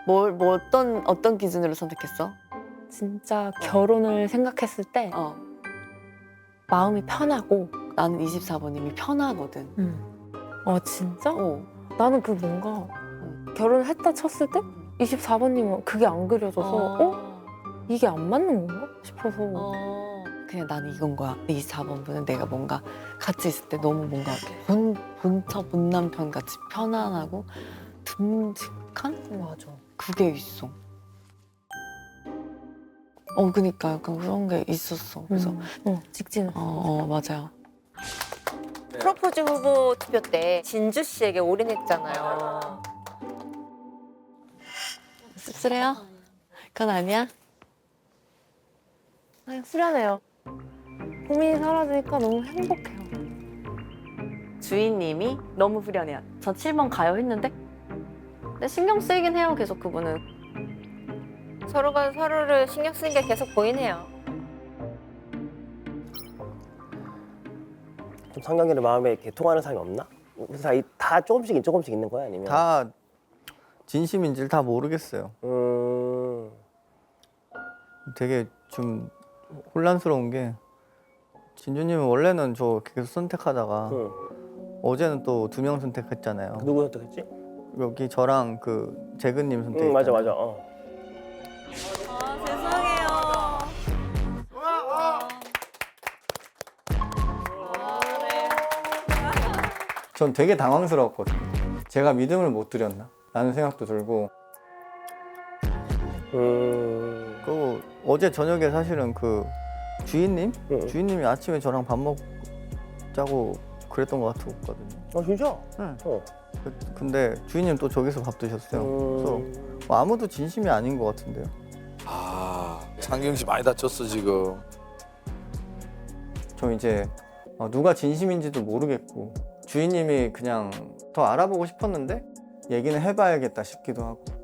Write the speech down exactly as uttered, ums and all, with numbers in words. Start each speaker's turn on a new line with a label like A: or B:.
A: 뭘, 뭐 어떤 어떤 기준으로 선택했어?
B: 진짜 결혼을 생각했을 때
A: 어,
B: 마음이 편하고.
A: 나는 이십사 번님이 편하거든.
B: 음. 아 진짜?
A: 어,
B: 나는 그 뭔가 결혼을 했다 쳤을 때 이십사 번님은 그게 안 그려져서 어? 이게 안 맞는 건가 싶어서.
A: 어. 그냥 나는 이건 거야. 이십사 번 분은 내가 뭔가 같이 있을 때 너무 뭔가 본 본처 본남편 같이 편안하고 듬직한
B: 맞아.
A: 그게 있어. 어, 그니까 약간 그런 게 있었어. 그래서
B: 음. 어, 직진을.
A: 어, 어 맞아요.
C: 프로포즈 후보 투표 때 진주 씨에게 올인했잖아요.
A: 씁쓸해요? 그건 아니야?
B: 아, 후련해요. 고민이 사라지니까 너무 행복해요.
A: 주인님이 너무 후련해요. 저 칠 번 가요 했는데 근데 신경 쓰이긴 해요. 계속 그분은.
C: 서로가 서로를 신경 쓰는 게 계속 보이네요.
D: 좀 상경이의 마음에 이렇게 통하는 사람이 없나? 그래서 다, 다 조금씩 조금씩 있는 거야 아니면?
E: 다 진심인지를 다 모르겠어요.
D: 음.
E: 되게 좀 혼란스러운 게 진주님은 원래는 저 계속 선택하다가
D: 응.
E: 어제는 또 두 명 선택했잖아요.
D: 누구 선택했지?
E: 여기 저랑 그 재근님 선택.
D: 응 맞아 맞아. 어.
A: 아, 죄송해요.
E: 전 되게 당황스러웠거든요. 제가 믿음을 못 드렸나? 라는 생각도 들고.
D: 음.
E: 그 어제 저녁에 사실은 그 주인님?
D: 응.
E: 주인님이 아침에 저랑 밥 먹자고 그랬던 것 같거든요.
D: 어 진짜?
E: 응.
D: 어.
E: 그- 근데 주인님 또 저기서 밥 드셨어요. 그래서
D: 음.
E: 뭐 아무도 진심이 아닌 것 같은데요.
F: 아, 창경 씨 많이 다쳤어 지금.
E: 저 이제 어, 누가 진심인지도 모르겠고 주인님이 그냥 더 알아보고 싶었는데 얘기는 해봐야겠다 싶기도 하고.